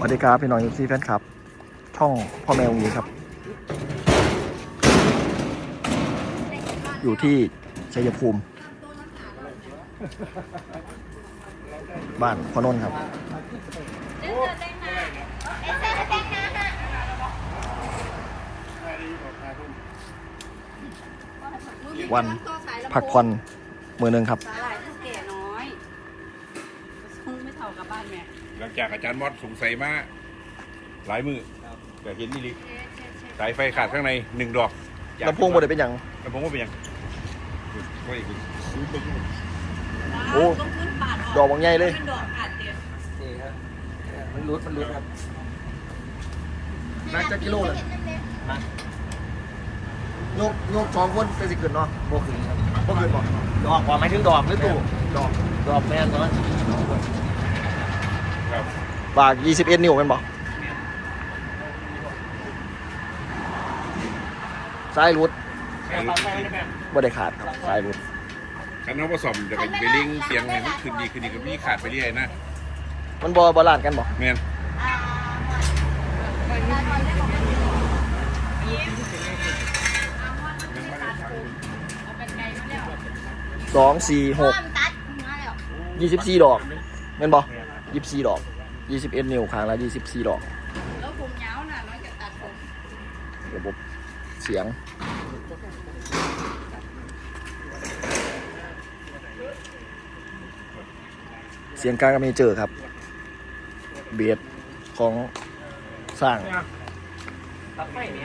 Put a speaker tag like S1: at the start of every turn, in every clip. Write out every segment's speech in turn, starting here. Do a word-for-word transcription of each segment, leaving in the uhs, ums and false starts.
S1: วัสดีครับพี่น้องยูซีแฟนครับช่องพ่อแมวนี้ครับอยู่ที่ชัยภูมิบ้านพนนท์ครับวันพักผ่อนมือหนึ่งครับ
S2: หลังจากอาจารย์มอดสงสัยมาหลายมือแต่เห็นนี่ลิสายไฟขาดข้างในหนึ่งดอก
S1: ลำโพงบ่ได้เป็นอย่าง
S2: ลำโพงว่าเป็นยัง
S1: โอ้ดอกบางใหญ่เลยมันรุดมันรุดครับนักจะกิโลเลยโยกโยกสองคนเป็นสิขึ้นเนาะโบขึ้นครับโบขึ้นบอกดอกว่าไม่ถึงดอกหรือตู้ดอกดอกแม่นเนาะบากยี่สิบเอ็ดนิ้วเป็นบอกสายรุดบ่ได้ขาดครับสายรุด
S2: คันน้องผสมจะไปไปลิงเสียงให้มันขึ้นดีขึ้นดีก็มีขาดไปเรื่อยนะ
S1: มันบ่บาลานซ์กันบอก
S2: แมน
S1: สองสี่หกยี่สิบสี่ดอกแม่นบอกยี่สิบสี่ดอกยี่สิบเอ็ดนิ้วครั้งละยี่สิบสี่ดอก
S3: แล้วผมยาวน่ะน้อยจะตัดผม
S1: ระบบเสียงเสียงกลางก็มีเจอครับเบียดของสร้างตัดไฟเนี่ย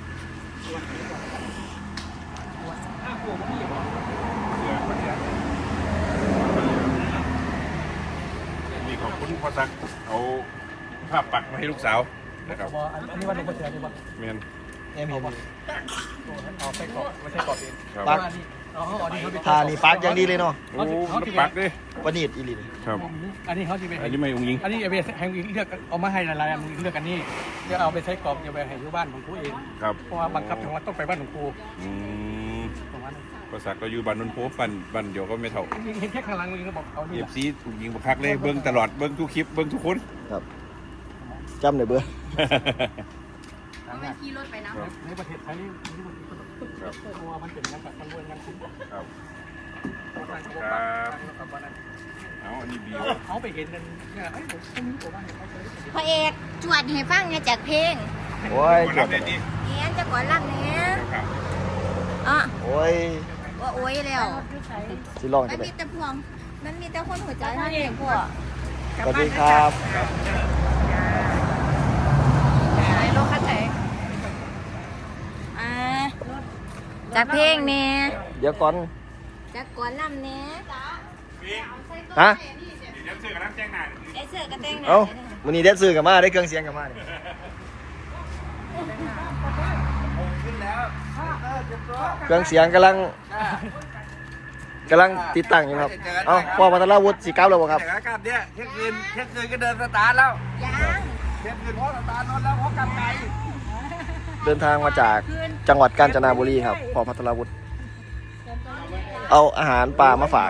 S2: มีของคุณพ่อซักเอาภาพปักมาให้ลูกสาวนะครับ
S4: อันนี้ว่าลูกกระเทียมใช่ปะ
S2: แมน
S1: เอ็มเห็น
S4: เอาใส่กรอบไม่ใช่กรอบเอง
S1: ปักทานี่ปักอย่างดีเลยเนาะ
S2: โอ้ปักดิ
S1: วันนี้อีลิน
S2: ครับ
S4: อันนี้เขาจะเป็น
S2: อันนี้ไม่อุ้งยิง
S4: อันนี้เอาไปให้เลือกเอามาให้หลายๆอันเลือกอันนี้จะเอาไปใช้กรอบจะไปให้อยู่บ้านของกูเอง
S2: ครับ
S4: เพราะว่าบังคับจังหวัดต้องไปบ้านของกู
S2: อืมภาษาก็อยู่บ้านนนท์โพปันบ้านเดียวก็ไม่เท่า
S4: เห็นแค่ข้างหลังนี่ก็บอกเอา
S2: เอฟซีถูกยิงบักคักเลยเบิ้งตลอดเบิ้งทุกคลิปเบิ้งทุกคน
S1: ครับจำได้เบื่อ
S3: ไม่ขี่รถไปนะ
S4: ในประเทศไทยนี่เพราะว่ามันเป็นงานแบบมันรวยงานคุ้ม
S2: ครับเอาอันนี้บี
S4: เขาไปเห็นกันเนี่ยไอ้ผมคนนี้ผมว่าเขาเคย
S3: พระเอกจวดให้ฟังเนี่ยจากเพลง
S1: โอ้ย
S2: ครับเนี่ย
S3: เอ็นจะก่อนรักเนี่ยอ่ะ
S1: โอ้ย
S3: ว่าโอ้ยแล้ว
S1: สิลอง
S3: มัน
S1: จะได้
S3: มีแต่พวงมันมีแต่คนหัวใจเท่านั้นพวก
S1: สวัสดีครับ
S3: ไอ้รถคันไหนอ่าจากเพลงเนี่ย
S1: เดี๋ยวก่อน
S3: จากก่อนลำเนี่ย
S1: ฮะ
S2: เดี๋ยวซื้อกับน้ำแจ้งหนา
S3: ไอ้เสือกระเตง
S1: เอ้าวันนี้ได้ซื้อกับมาได้เครื่องเสียงกับมาเนี่ยเครื่องเสียงกำลังกำลังติดตั้งอยู่ครับเอ้าพ่อมาตลาวุฒิสีก้าวแล้วบ่ครับ
S5: อากาศเนี่ยเที่ยงคืนเที่ยงคืนก็เดินสตาร์ทแล้ว
S3: ยัง
S5: เที่ยงคืนเพราะสตาร์ทนอนแล้วเพราะกำไก
S1: เดินทางมาจากจังหวัดกาญจนบุรีครับพ่อพัทรวุฒิเอาอาหารปลามาฝาก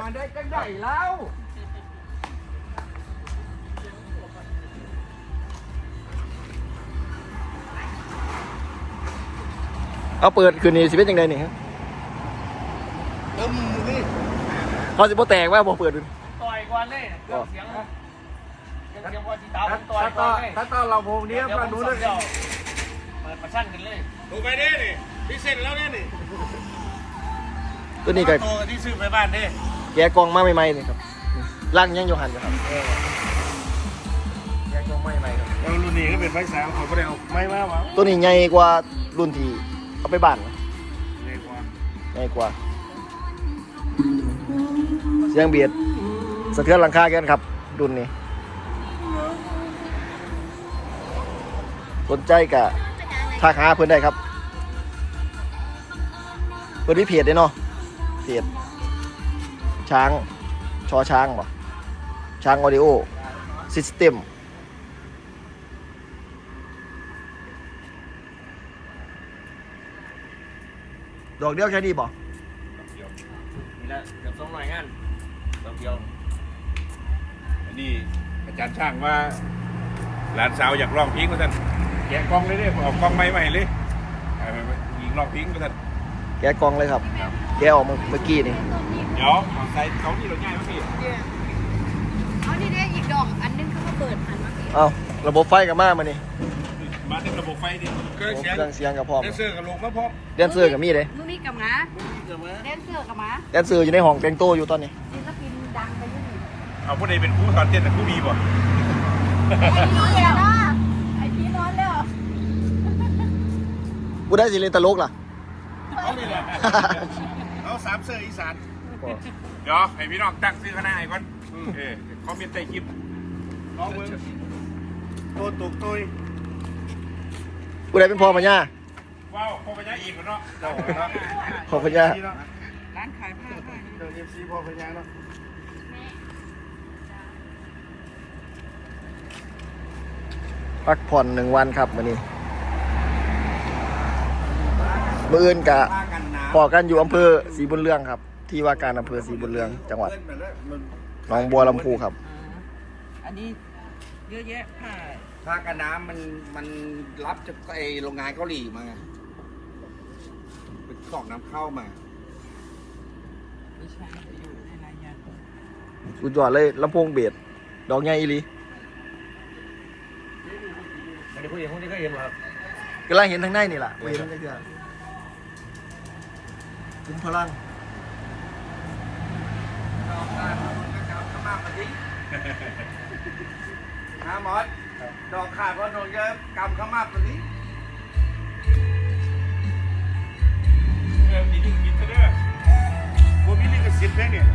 S1: เอาเปิดคืนนี้สิเป็นยังไงนี่ครับเขาสิบ่แตกว่าบ่เปิดดู
S4: ต่อยก่อนเลยเสียงเสียงว่าจีตาต่อย
S5: ก่อนเลยถ้าตอนเราโพงนี้มาดูเลย
S4: เปิดประชันกันเลย
S2: ถูกไปดินี่พิเศษแล้วเนี่ยนี่
S1: ตัวนี้ก็
S2: ตัวที่ซื้อไปบ้านดิ
S1: แกกองมาใหม่ๆนี่ครับร่างยังอยู่หันอยู่ครับแกกองใหม่ๆครับ
S2: แล้วรุ่นนี้ก็เป็นไฟสามเขาก็ได้เอาไม่มาวะ
S1: ตัวนี้ใหญ่กว่ารุ่นที่เอาไปบ้าน
S2: ใหญ่กว่า
S1: ใหญ่กว่าเสียงเบียดสะเทือนหลังคาแกนครับรุ่นนี้สนใจกับทักหาเพื่อนได้ครับเพื่อนวิเพจได้เนาะเพจช้างชอช้างบ่ช้างออดิโอซิสเต็มดอกเดียวแค่นี้บ่
S5: นี่แหละเกือบสองหน่วยงานดอกเดียว
S2: อันนี้อาจารย์ช่างว่าหลานสาวอยากร้องเพลงก็ท่านแกะกล้องเลยเด้อเอากล้องไม้มาให้เลยเอาไปยิงร้องเพลงก็ท่าน
S1: แกะกล่องเลยครับ แกะออกมาเมื่อกี้นี่
S2: เดี๋ยวใส่เขาที่เราง่ายมากพี่
S3: เอานี่ได้อีกดอกอันนึงเขาก็เปิดหันมาสิ
S1: เอ้าระบบไฟกับมามานี่
S2: มาเต็มระบบไฟดิเครื่องเสียง
S1: เครื่องเสียงกับพร้อม
S2: แดนเซอร์กับลงมาพร้อม
S1: แดนเซอร์กับมีเลย
S3: มือมีกับหมาแดนเซอร์กับหมา
S1: แดนเซอร์อยู่ในห้องแต่งตัวอยู่ตอนนี้
S3: ศิลปินดังไปยุ่ง
S2: เอาผู้ใดเป็นครูสอนเต้นแต่ครูบีบ่
S3: ไอ้พี่นอนแล้วไอ้พี่นอนแล้ว
S1: กูได้สิเล่นตลกล่ะ
S2: เอานี่แหละเอาสามเสื้ออีสานเดี๋ยวให้พี่น้องตั้งซื้อคณะไอ้ก่อนเออคอมเมนต์ใต้คลิปน้องเบิ้งโตตุกตุย
S1: กูได้เป็นพ่อพญา
S2: ว้าวพ่อพญาอีกแล้วเนาะเจ้าเนาะ
S1: พ่อพญา
S5: ร้านขายผ้าผ้า
S2: เจ้าเอฟซีพ่อพญาเนาะ
S1: พักผ่อนหนึ่งวันครับวันนี้มื้ออื่นกะ
S5: ผ้ากันหนาว
S1: พอกันอยู่อำเภอศรีบุญเรืองครับ ที่ว่าการอำเภอศรีบุญเรืองจังหวัดหนองบัวลำพูครับ
S6: อันนี้เยอะแยะผ้า
S5: ผ้ากันน้ำมันมันรับจากไอโรงงานเกาหลีมาไงเป็นกล่องน้ำเข้ามา
S6: ไม่ใช่อยู่ในรายงาน
S1: สุดยอดเลยลำโพงเบสดอกใหญ่อีหลี
S5: อันนี้ผู้หญิงพวกนี้ก็เห็นครับ
S1: กำลังเห็นทางในนี่แหละเห็นได้เกือบคุมพลัง
S5: ฮะมอสดอกขาดเพราะโดนเยอะกำเข้ามาตัวนี้
S2: เออมีลิขสิทธิ์ซะเด้อบ่มีลิขสิทธิ์แท้เนี่ย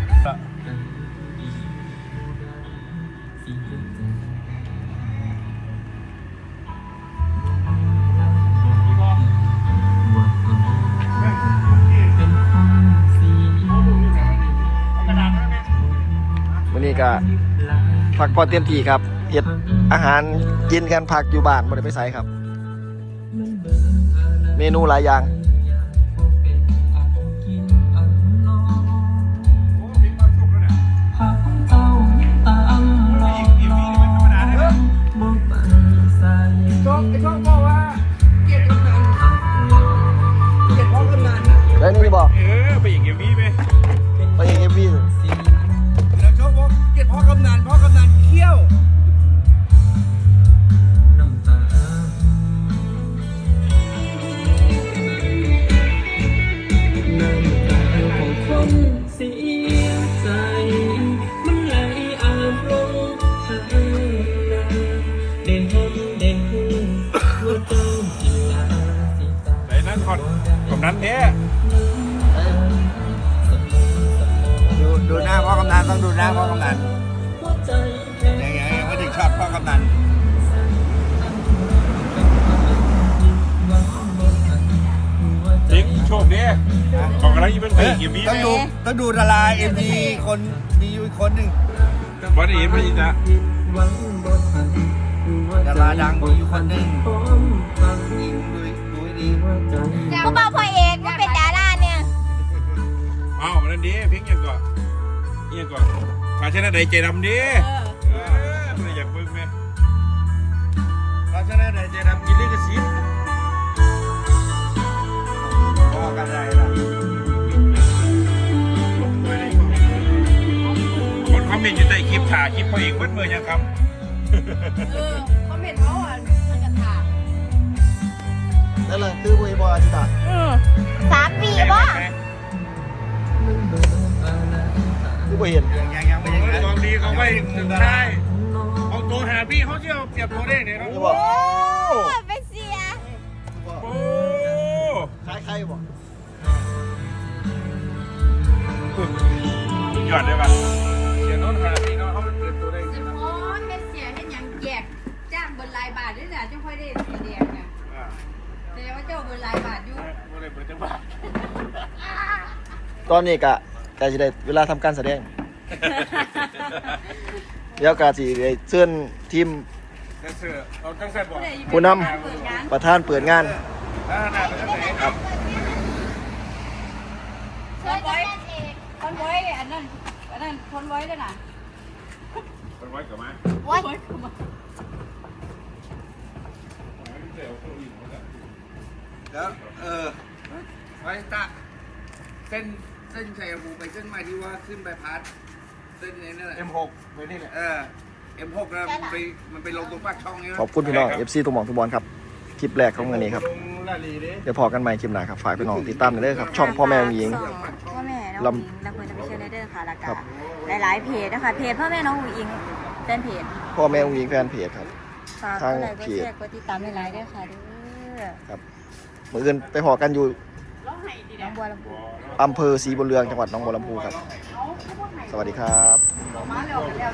S1: วันนี้ก็พักผ่อนเต็มที่ครับเฮ็ดอาหารกินกันพักอยู่บ้านไม่ได้ไปไสครับ เมนูหลายอย่าง
S2: โอ้มีความสุขแล้วเนี่ยอีกอีกวีนี่มันธรรมดาได้ไหม
S5: ช่องไอช่องบอกว่าเกลียดกำนันเกลียดพ่อกำนัน
S1: ได้นี่บอก
S2: เออไปอีกอีกวีไหม
S1: ไปเองเอฟวี
S5: แล้วช่องบอกเกลียดพ่อกำนันพ่อกำนันเขี้ยว
S7: คนเสียใจ มันไหลอาบลงทางนาเด่นหอมเด่นหูว่าเจ้าจิลาสิตา
S2: ไหนนั่นคอนผมนั้นแท้
S5: ดูดูหน้าพ่อกำนันต้องดูหน้าพ่อกำนัน
S7: หัวใจแค่
S5: ยังไงไม่ถึงชอบพ่อกำนัน
S2: จริงโชคดีของกำลังยิ่งเป็นไปอีกอีกวีไห
S5: ต้
S2: ม
S5: องดูต้องดูดาราเอ็มดีคนมีอยู่อีกคนหนึ่ง
S2: วันนี้ไม่ยินนะ
S7: หวังบ่ทันหัว
S5: ดา
S7: ใจ
S5: ราดังมีอยู่คนหนึ่ง
S7: พร้อมพัง
S5: ยิงดูดูให้ดี
S7: หัวใจ
S3: กูบอกพ่อเอกก็เป็นดาราเนี่ย
S2: อ้าวนั่นดีเพียงยังก่อนยังก่อนมาชนะใดใจดำดีเออไม่อยากเบิ่งไหมมาชนะใดใจดำกินลิขสิทธิ์
S5: พ่อกันไรล่ะ
S2: คนคอมเมนต์อยู่ใต้คลิปถ่ายคลิปเขาเองเบิ้ลเมื่อยังครับ
S3: เออเขาเป็นเขาอ่ะมันจะถาม
S1: นั่นแหละคือบุยบออาจิตา
S3: สามปีป่ะ
S1: คือบุเห็น
S5: ยังยังยังไม่ยัง
S2: กองดีเขาไม่ใช่เอาตัวหาพี่เขาเที่ยวเปรียบตัวได้เนี่ยนะ
S1: คือบอก
S3: โอ้ไปเสีย
S2: โอ้
S1: คล้ายใครบอก
S2: ยอดเลยป่ะเสียโน้นหาพี่เนาะเขาเปลี่ยนตัวได้
S3: โอ้เฮ็ดเสียเฮ็ดหยังแยกจ้างเบินรายบาทด้วยนะจังค่อยได้สีแดงนะแสดงว่าเจ้าเบินรายบาทอยู่
S2: ไม่ได้เปิดจังหวะ
S1: ตอนนี้กะกะจะได้เวลาทำการแสดง เดี๋ยวกะสิได้เชิญทีม
S2: แดนเซอร์เอาตั้งแต่บอก
S1: ผู้น
S3: เปิดงาน
S1: ำประธานเปิดงาน
S2: ถ้าหน้าเป็นตั้งแต่ครับ
S3: คอนไว้คอนไว้อันนั้นอันนั้นคอนไว้ด้วยนะ
S2: เป็นไว้กับมา
S3: ไว้
S5: แล้วเออไว้ตะเส้นเส้นชัยภูมิไปเส้นใหม่ที่ว่าขึ้นไปพัดเส้นนี้นั่นแหละ
S4: เอ็มหกไปนี่แหละ
S5: เออเอ็มหกนะมันไปมันไปลงตรงปากช่องนี้
S1: ขอบคุณพี่น้อง เอฟ ซี ทุกหม่องทุกบอลครับคลิปแรกของวันนี้ครับ
S2: ลงลาลีดิ
S1: เดี๋ยวพอกันใหม่คลิปหน้าครับฝากพี่น้องติดตามกันเลยครับช่องพ่อแม่องหญิง
S3: พ่อแม่น้องอุ๋งอิงและคนจะไปเชียร์เลเดอร์ค่ะแล้วก็หลายๆเพจนะคะเพจพ่อแม่น้องอุ๋งอิงแฟนเพจ
S1: พ่อแม่องหญิงแฟนเพจครับ
S3: ฝากกดไลค์กดแชร์กดติดตามหลายๆด้วยค่ะเด้อ
S1: ครับมืออื่นไปพอกันอยู่
S3: น้องบัวลำพู
S1: อำเภอศรีบุญเรืองจังหวัดหนองบัวลำพูครับ สวัสดีครับ
S3: มาแล้ว